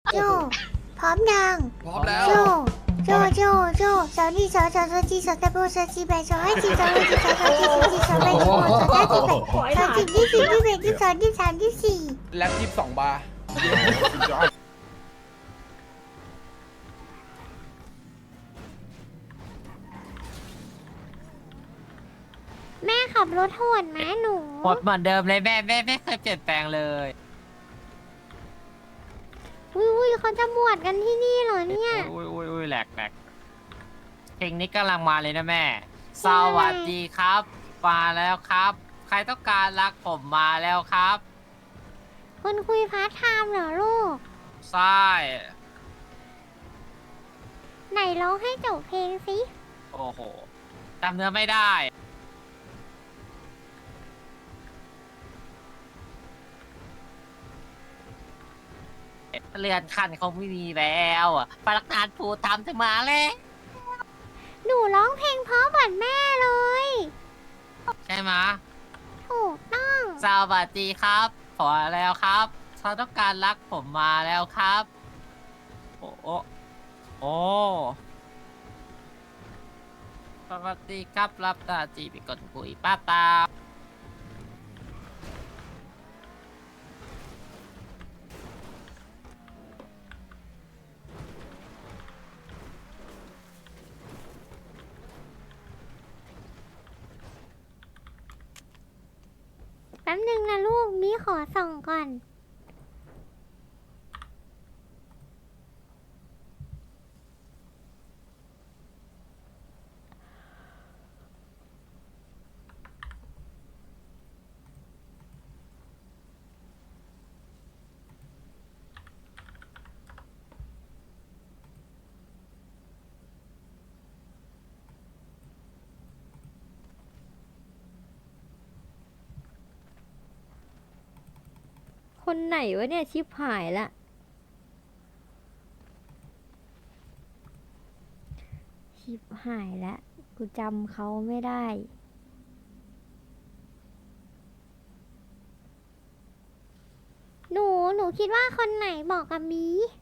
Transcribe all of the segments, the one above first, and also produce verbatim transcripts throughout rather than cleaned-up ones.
โจพร้อมยังพร้อมแล้วโจโจโจโจสาวนี่สาวสาวสาวจีสาวตะโบสาวจีแบสาวให้จีสาวให้จีสาวสาวจีสาวจีสาวแบสาวสาวจีแบสาวจีที่สี่ที่แบที่สองที่สามที่สี่แล็บยี่สิบสองบาร์แม่ขับรถโหดไหมหนูหมดเหมือนเดิมเลยแม่แม่ไม่เคยเปลี่ยนแปลงเลยอุ้ยอุ้ยเขาจะบวชกันที่นี่เหรอเนี่ยอุ้ยอุ้ยอุ้ยแหลกแหลกเพลงนี้กำลังมาเลยนะแม่เพสลงอะไรวัสดีครับมาแล้วครับ ใครต้องการรักผมมาแล้วครับคนคุยพาร์ทไทม์เหรอลูกใช่ไหนร้องให้จบเพลงสิโอ้โหจำเนื้อไม่ได้เรือนคันเขาไม่มีแล้วอะพนักงานผูทำจะมาแล้วหนูร้องเพลงเพราะเหมือนแม่เลยใช่ไหมะถูกต้องสวัสดีครับพอแล้วครับเขาต้องการรักผมมาแล้วครับ โอ้โอ้โอ้สวัสดีครับรับตาจีเป็นคนคุยป้าตาแป๊บนึงนะลูก มีขอส่องก่อนคนไหนวะเนี่ยชิบหายละชิบหายละกูจำเขาไม่ได้หนู หนูคิดว่าคนไหนบอกกับมี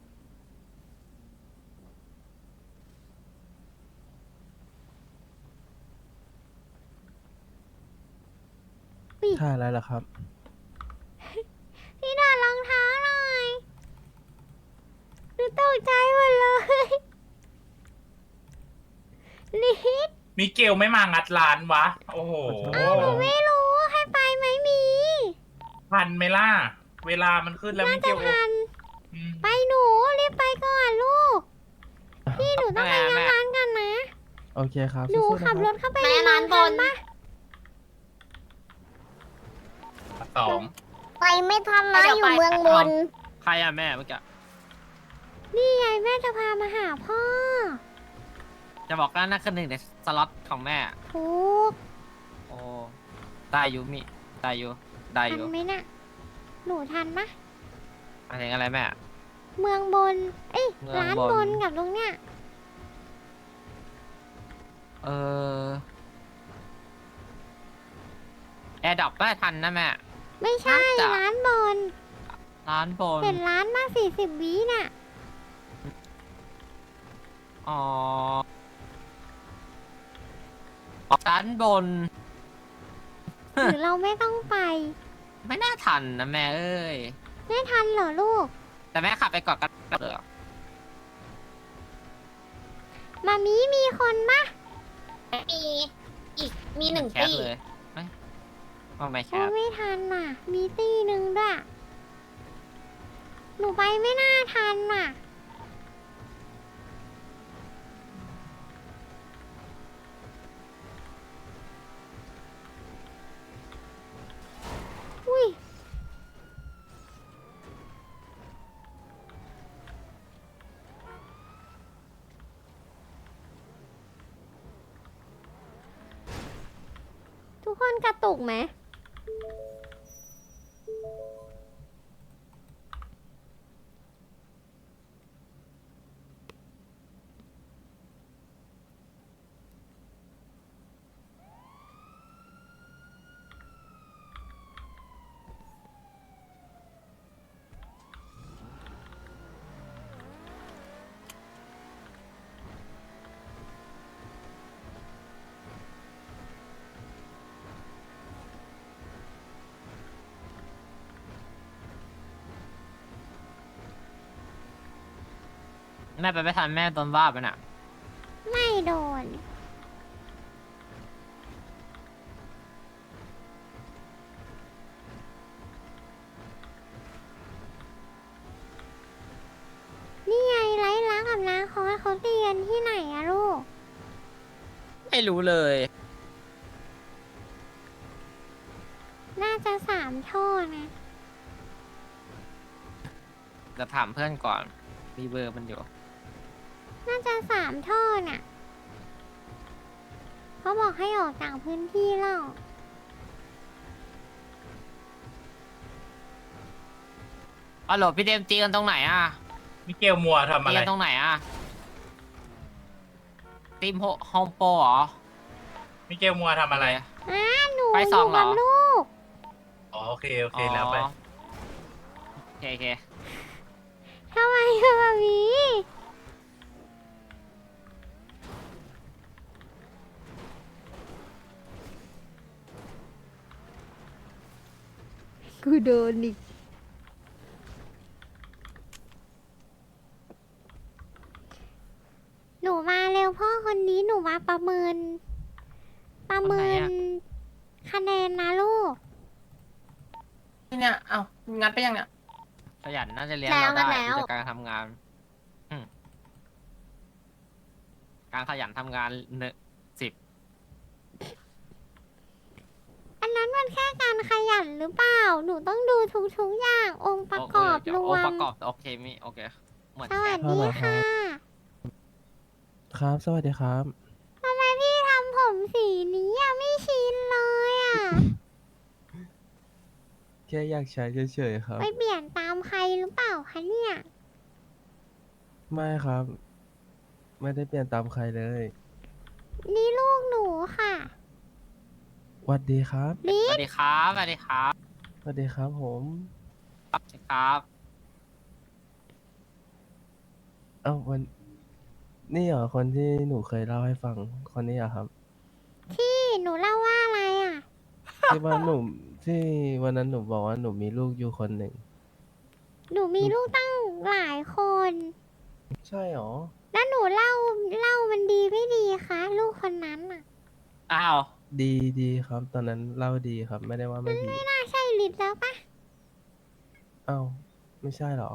ท่าอะไรล่ะครับพี่ดอดรองเท้าหน่อย หนูตกใจหมดเลย ลิดมิเกลไม่มางัดร้านวะ โอ้โหอ้าวหนูไม่รู้ให้ไปไหมมีทันไหมล่ะ เวลามันขึ้นแล้วน่ามิเกจะลทันอืมไปหนูรีบไปก่อนลูก พี่หนูต้องไปงานร้านกันนะโอเคครับหนูสู้ๆขับรนะถเข้าไปแม่ในร้านบนปะสองไปไม่ทันนะอยู่เมืองบนใครอะแม่เมื่อกี้นี่ไงแม่จะพามาหาพ่อจะบอกว่านั่นคือหนึ่งในสล็อตของแม่ถูกโอ้ได้อยูมิได้อยูได้อทันยูไหมน่ะ หนูทันปะหมายถึงอะไรแม่เมืองบน เอ้ยเมืองร้านบบ นนกับตรงเนี้ยเออแอร์ดรอปได้ทันนะแม่ไม่ใช่น่าจะร้านบนร้านบนเห็นร้านมาสี่สิบวิน่ะอ๋อร้านบนหรือเราไม่ต้องไปไม่น่าทันนะแม่เอ้ยไม่ทันเหรอลูกแต่แม่ขับไปก่อนกันเถอะมามีมีคนปะมีอีกมีหนึ่งแคตีสเลยไม่ต้องไม่แคโอ้สไม่ทันน่ะ มีตีหนึ่งด้วย หนูไปไม่น่าทันน่ะ อุ้ย ทุกคนกระตุกไหมแม่ไปไม่ทันแม่โดนว่าไปน่ะไม่โดน นี่ไงไร้รักกับนาคอสเขาตีกันที่ไหนอะลูกไม่รู้เลยน่าจะสามท่อนะจะถามเพื่อนก่อน มีเบอร์มันอยู่น่าจะสามท่อน่ะ เขาบอกให้ออกจากพื้นที่แล้วอ๋อโหลพี่เดมตีกันตรงไหนอ่ะมิเกลมัวทำตีอะไรกันตรงไหนอ่ะทีมโฮมโปรเหรอมิเกลมัวทำอะไรอ้าหนูไปอสอยู่ งเหรกัอบลูกอ๋อโอเคโอเคแล้วไปอ๋อโอเคโอเคทำไมอะแบบนี้กูโดนอีกหนูมาเร็วพ่อคนนี้หนูมาประเมิน ประเมินคะแนนนะลูกเนี่ย เอางัดไปยังเนี่ย ขยันน่าจะเลี้ยงแล้วเราได้แล้วจากการทำงานอืมการขยันทำงานเนอะสิบอันนั้นมันแค่การขยันหรือเปล่า หนูต้องดูทุกๆอย่างองค์ประกอบรโอวปมระกอบโอเคมีโอเค เหมือนสวักัสนดีค่ะครับ สวัสดีครับทำไมพี่ทำผมสีนี้อะไม่ชินเลยอ่ะแค่อยากใช้เฉยๆครับไปเปลี่ยนตามใครหรือเปล่าคะเนี่ยไม่ครับ ไม่ได้เปลี่ยนตามใครเลยนี่ลูกหนูค่ะสวัสดีครับสวัสดีครับสวัสดีครับสวัสดีครับผมสวัสดีครับเอ้าวันนี่เหรอคนที่หนูเคยเล่าให้ฟัง คนนี้เหรอครับที่หนูเล่าว่าอะไรอ่ะที่ว่าหนูที่วันนั้นหนูบอกว่าหนูมีลูกอยู่คนหนึ่งหนูมีลูกตั้งหลายคนใช่หรอแล้วหนูเล่าเล่ามันดีไม่ดีคะลูกคนนั้นอ่ะอ้าวดีดีครับ ตอนนั้นเล่าดีครับ ไม่ได้ว่าไม่ดีน่าใช่ลิศแล้วปะเอ้าไม่ใช่เหรอ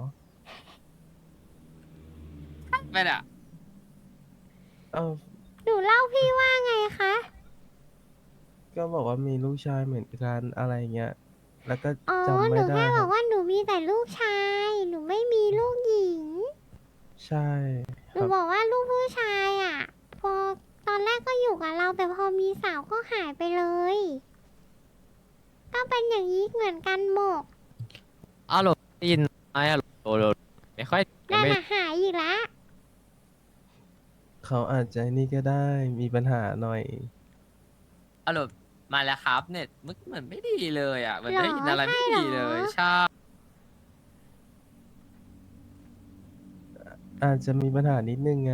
ไม่ได้เอ้าหนูเล่าพี่ว่าไงคะก็บอกว่ามีลูกชายเหมือนกันอะไรเงี้ย แล้วก็อ๋อจำหไม่นูได้แค่คบรัอบ กว่าหนูมีแต่ลูกชาย หนูไม่มีลูกหญิงใช่หคนูรับบอกว่าลูกผู้ชายอ่ะ พอตอนแรกก็อยู่กับเราแต่พอมีสาวก็หายไปเลย ก็เป็นอย่างนี้เหมือนกันหมกอ้าวโหลได้ยินไหมอะโหลโหลไม่ค่อยนั่นไม่น่ะหายอีกแล้วเขาอาจจะนี่ก็ได้มีปัญหาหน่อยอ้าวโหลมาแล้วครับเน็ตมึกเหมือนไม่ดีเลยอ่ะเหมือนหรอได้ยินอะไรไม่ใช่เหรอดีเลยใช่อาจจะมีปัญหานิดนึงไง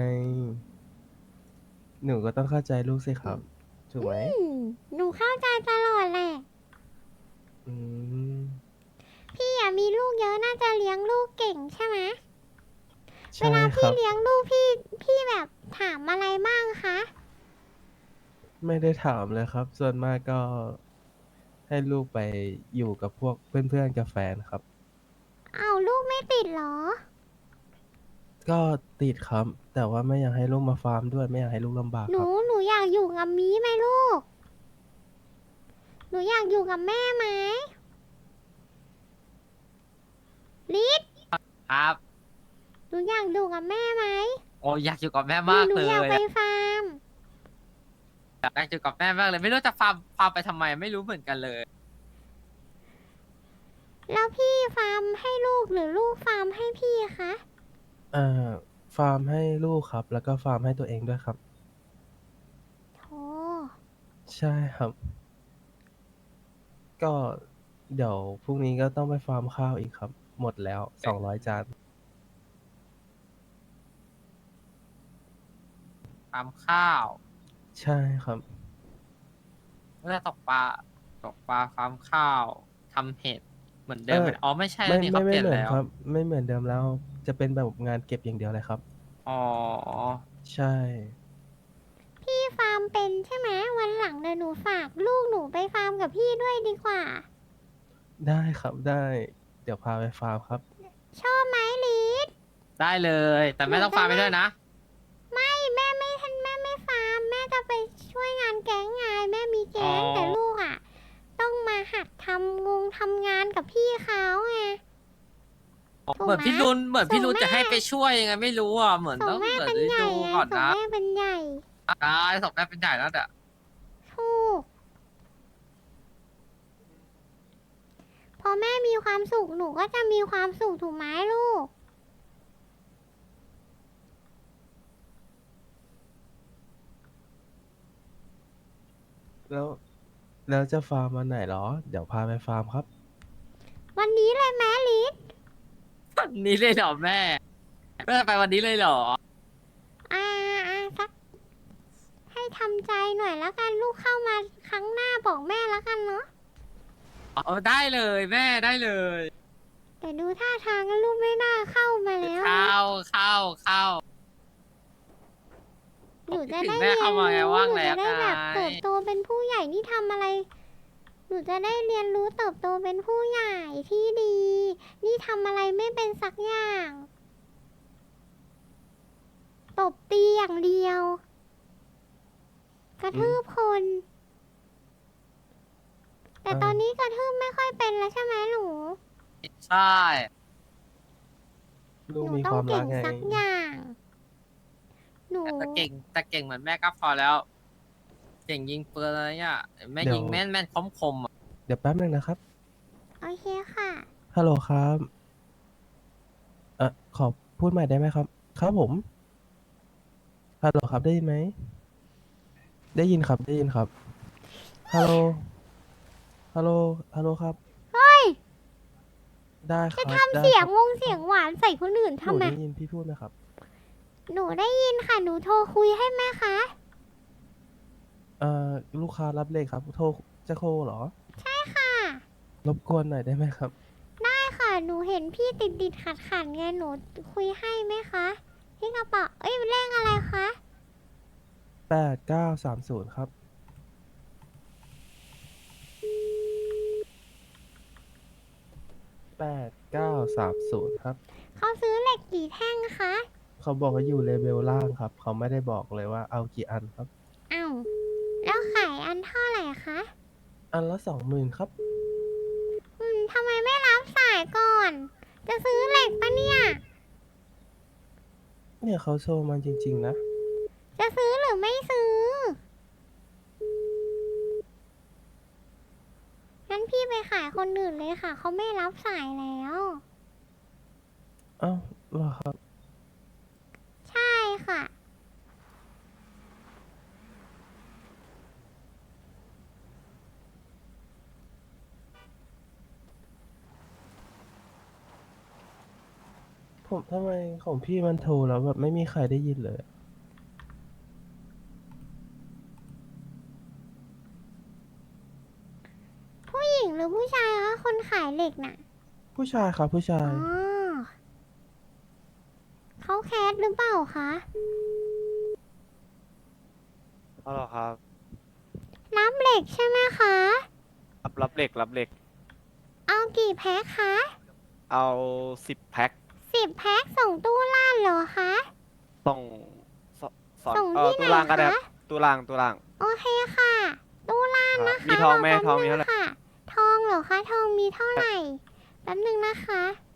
หนูก็ต้องเข้าใจลูกสิครับ ถูกไหมอืมหนูเข้าใจตลอดแหละอืมพี่อ่ะมีลูกเยอะน่าจะเลี้ยงลูกเก่งใช่ไหม เวใช่ลาคพี่รับเลี้ยงลูกพี่พี่แบบถามอะไรบ้างคะไม่ได้ถามเลยครับ ส่วนมากก็ให้ลูกไปอยู่กับพวกเพื่อนๆกับแฟนครับเอาลูกไม่ติดเหรอก็ติดครับ แต่ว่าไม่อยากให้ลูกมาฟาร์มด้วยไม่อยากให้ลูกลำบากหนูครับหนูอยากอยู่กับมีไหมลูก หนูอยากอยู่กับแม่ไหมลิศครับหนูอยากอยู่กับแม่ไหมโอ้อยากอยู่กับแม่หนูมากหนูเลยอยากไปอะฟาร์มอยากอยู่กับแม่มากเลยไม่รู้จะฟาร์มฟาร์มไปทำไมไม่รู้เหมือนกันเลยแล้วพี่ฟาร์มให้ลูกหรือลูกฟาร์มให้พี่คะอ่าฟาร์มให้ลูกครับ แล้วก็ฟาร์มให้ตัวเองด้วยครับโธใช่ครับ ก็เดี๋ยวพรุ่งนี้ก็ต้องไปฟาร์มข้าวอีกครับ หมดแล้วสองร้อยจานฟาร์มข้าวใช่ครับเมื่อตกปลาตกปลาฟาร์มข้าวทำเห็ดเหมือนเดิมไหมเอออ๋อไม่ใช่ไม่แล้วนี่ไม่เขาเปไม่ลี่ยนเหมือนแล้วครับ ไม่เหมือนเดิมแล้ว จะเป็นแบบงานเก็บอย่างเดียวเลยครับอ๋อใช่พี่ฟาร์มเป็นใช่ไหมวันหลังเดี๋ยวหนูฝากลูกหนูไปฟาร์มกับพี่ด้วยดีกว่าได้ครับได้ เดี๋ยวพาไปฟาร์มครับชอบไหมลิศได้เลย แต่แม่ต้องฟาร์มไปด้วยนะไม่แม่ไม่ทันแม่ไม่ฟาร์มแม่จะไปช่วยงานแก๊งไงแม่มีแก๊งอ๋อแต่ลูกอ่ะ ต้องมาหัดทำงงทำงานกับพี่เขาไง ถูกไหมเหมือนพี่รุนเหมือนพี่รุนส่งแม่จะให้ไปช่วยยังไงไม่รู้อ่ะ เหมือนส่ต้อง งแม่เหมือนเป็นได้ใหญ่ดูไงก่อนส่งนะแม่เป็นใหญ่ได้ส่งแม่เป็นใหญ่แล้วเด้อถูกพอแม่มีความสุขหนูก็จะมีความสุขถูกไหมลูกแล้ว แล้วจะฟาร์มวันไหนเหรอ เดี๋ยวพาไปฟาร์มครับวันนี้เลยแม่ลิศวันนี้เลยเหรอแม่แม่ไปวันนี้เลยเหรออ่าอ่าสักให้ทำใจหน่อยแล้วกันลูกเข้ามาครั้งหน้าบอกแม่แล้วกันเนาะเอาได้เลยแม่ได้เลยแต่ดูท่าทางลูกไม่น่าเข้ามาแล้วนะเข้าเข้าเข้าหนูจะถึได้งเรีแม่ยนเข้ามาไงรู้ว่างหนูแล้จะวได้แบบไงเติบโตเป็นผู้ใหญ่นี่ทำอะไร หนูจะได้เรียนรู้เติบโตเป็นผู้ใหญ่ที่ดี นี่ทำอะไรไม่เป็นสักอย่าง ตบตีอย่างเดียว กระทืบคน แต่เอ้าตอนนี้กระทืบไม่ค่อยเป็นแล้วใช่ไหมหนูใช่ลูกหนูมีต้คองวามเก่รักงไงสักอย่าง หนูแต่เก่งแต่เก่งเหมือนแม่ก็พอแล้ว เก่งยิงปืนอะไรเงี้ยแม่เดี๋ยวยิงแม่นแม่นคมคมๆอะเดี๋ยวแป๊บนึงนะครับโอเคค่ะฮัลโหลครับ เอ่อ ขอพูดใหม่ได้ไหมครับ ครับผม ฮัลโหลครับได้ยินไหม ได้ยินครับ ได้ยินครับ ฮัลโหล ฮัลโหล ฮัลโหลครับเฮ้ยได้คจะรับทำได้เสียงครับวงเสียงหวานใส่คนอื่นหนูทำไมได้ยินพี่พูดไหมครับหนูได้ยินค่ะ หนูโทรคุยให้แม่คะเอ่อ ลูกค้ารับเลขครับ โทร จะโทรเหรอใช่ค่ะรบกวนหน่อยได้ไหมครับได้ค่ะ หนูเห็นพี่ติดติดขัดขัดๆไง หนูคุยให้ไหมคะที่กระเป๋าเอ้ยเลขอะไรคะแปดเก้าสามศูนย์ครับ แปดเก้าสามศูนย์ครับเขาซื้อเหล็กกี่แท่งคะเขาบอกว่าอยู่เลเวลล่างครับ เขาไม่ได้บอกเลยว่าเอากี่อันครับอ้าวแล้วขายอันเท่าไหร่คะอันละสองหมื่นครับอืมทำไมไม่รับสายก่อน จะซื้อเหล็กปะเนี่ยเนี่ยเขาโชว์มันจริง ๆ นะจะซื้อหรือไม่ซื้อ งั้นพี่ไปขายคนอื่นเลยค่ะ เขาไม่รับสายแล้วเอ้าเหรอครับใช่ค่ะผมทำไมของพี่มันโทรแล้วแบบไม่มีใครได้ยินเลยผู้หญิงหรือผู้ชายคะคนขายเหล็กน่ะผู้ชายครับผู้ชาอ๋ยอเขาแคสหรือเปล่าคะเอาเหรอครับรับเหล็กใช่ไหมคะรับรับเหล็กรับเหล็กเอากี่แพ็คคะเอาสิบแพ็คสิบแพ็คส่งตู้ล่านเหรอคะส่งสสอนส่งเออที่ตู้ไหนล่างก็ได้คะครับตู้ล่างตู้ล่างโอเคค่ะ ตู้ล่านครับนะคะมีทองไหมรแป๊บทองมีนึเท่าไหร่ค่ะ ทองเหรอคะ ทองมีเท่าไหร่ แป๊บนึงนะคะ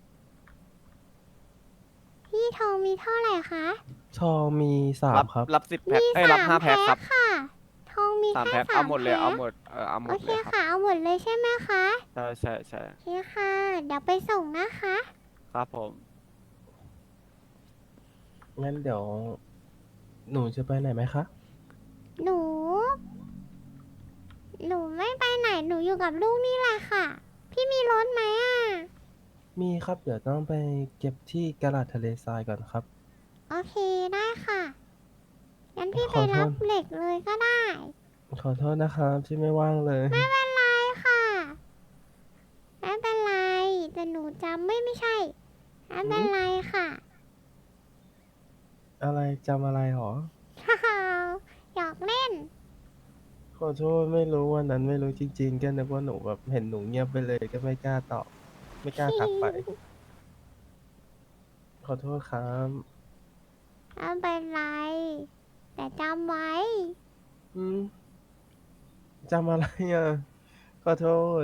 พี่ทองมีเท่าไหร่คะทองมีสามรับครับรับสิบแพ็คมีเอ้ยรับสามห้าแพ็คครับค่ะ ทองมีสามแค่แพ็คสาเอามหมดเลยแพ็คเอาหมดเออเอาหมโอดเคเลยครับค่ะ เอาหมดเลยใช่ไหมคะใช่ใช่ใช่โอเคค่ะ เดี๋ยวไปส่งนะคะครับผมงั้นเดี๋ยว หนูจะไปไหนไหมคะหนู หนูไม่ไปไหน หนูอยู่กับลูกนี่แหละค่ะ พี่มีรถไหมอ่ะมีครับ เดี๋ยวต้องไปเก็บที่กระดาษทะเลทรายก่อนครับโอเคได้ค่ะ งั้นพี่ขไปอโทษรับเหล็กเลยก็ได้ขอโทษนะครับที่ไม่ว่างเลยไม่เป็นไรค่ะ ไม่เป็นไร แต่หนูจำไม่ไม่ใช่ ไม่เป็นไรค่ะอะไรจำอะไรหรอฮ่าฮ่าอยากเล่นขอโทษไม่รู้วันนั้นไม่รู้จริงๆก็นึกว่าหนูแบบเห็นหนูเงียบไปเลยก็ไม่กล้าตอบไม่กล้าทักไป ขอโทษครับไม่เป็นไร แต่จำไว้อืมจำอะไรอ่ะ ขอโทษ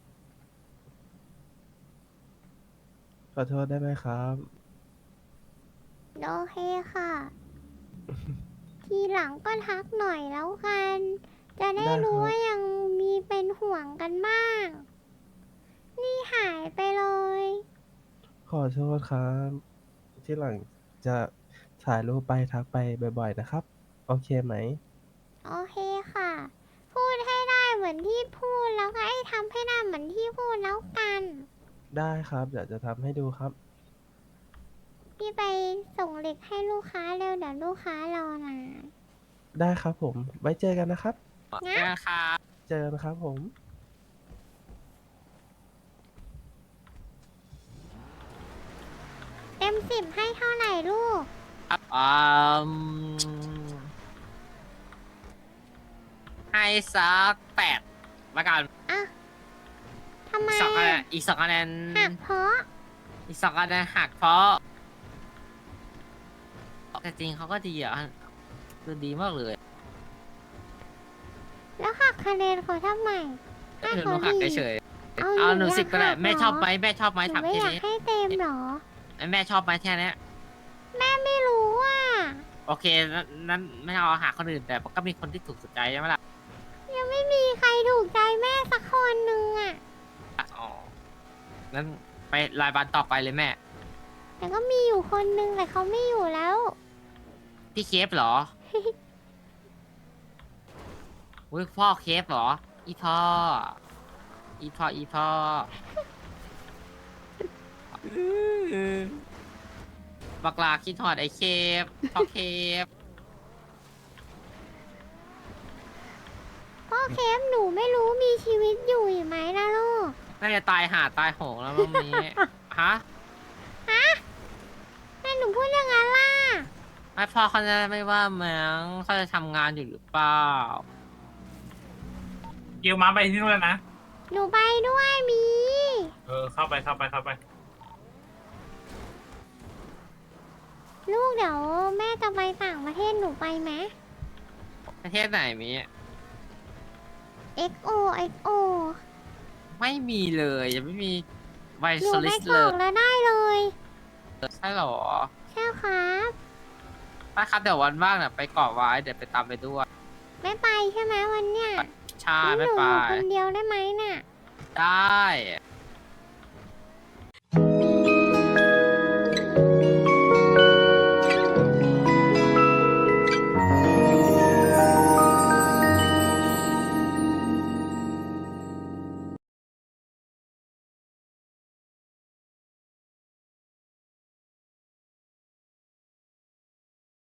ขอโทษได้ไหมครับโอเคค่ะ ทีหลังก็ทักหน่อยแล้วกัน จะได้ได้ครับรู้ว่ายังมีเป็นห่วงกันบ้าง นี่หายไปเลยขอโทษครับ ที่หลังจะถ่ายรูปไปทักไปบ่อยๆนะครับ โอเคไหมโอเคค่ะ พูดให้ได้เหมือนที่พูดแล้วก็ให้ทำให้ได้เหมือนที่พูดแล้วกันได้ครับเดี๋ยวจะทำให้ดูครับพี่ไปส่งเหล็กให้ลูกค้าเร็วเดี๋ยวลูกค้ารอนานได้ครับผม ไว้เจอกันนะครับงั้นนะครับเจอกันครับผมเต็มสิบให้เท่าไหร่ลูกอืมให้สักแปดละกันอ่ะทำไมอีกสองคะแนนอ่ะอีกสองคะแนนหักเพราะอีกสองคะแนนหักเพราะแต่จริงเขาก็ดีอ่ะคือดีมากเลยแล้วหักคะแนนเขาทำไมให้หนูเขาหักดีเฉยเอาๆเอาหนูอยากสิบก็ได้หักแม่เหรอชอบไหมแม่ชอบไหมหนูถามไม่แค่อยากนี้ให้เต็มเหรอแม่ชอบไหมแค่เนี้ยแม่ไม่รู้อ่ะโอเคนั้นนั้นไม่เอาหาคนอื่นแต่ก็มีคนที่ถูกสุดใจใช่ไหมล่ะยังไม่มีใครถูกใจแม่สักคนหนึ่งอ่ะอ๋องั้นไปรายวันต่อไปเลยแม่แต่ก็มีอยู่คนหนึ่งแต่เขาไม่อยู่แล้วพี่เคฟเหรอ อุ้ยพ่อเคฟเหรอ อีพ่อ อีพ่อ อีพ่อ บักลาคิดหอดไอเคฟพ่อเคฟพ่อเคฟหนูไม่รู้มีชีวิตอยู่อีกไหมนะลูกน่าจะตายหาตายโหงแล้วมั้งนี้ ฮะฮะแม่หนูพูดอย่างนั้นล่ะไอพ่อเขาจะไม่ว่ามั้งเขาจะทำงานอยู่หรือเปล่าเกลมาไปที่นู่นแล้วนะหนูไปด้วยมีเออเข้าไปเข้าไปเข้าไปลูกเดี๋ยวแม่จะไปต่างประเทศหนูไปไหมประเทศไหนมีเอ็กโอ เอ็กโอไม่มีเลยยังไม่มีไวหนูโซลิไปสกเลรอย กแล้วได้เลยใช่เหรอใช่ครับไปครับเดี๋ยววันว่างเนี่ยไปเกาะไว้เดี๋ยวไปตามไปด้วยไม่ไปใช่ไหมวันเนี้ยใช่งั้นหไม่นูไปอยู่คนเดียวได้ไหมน่ะได้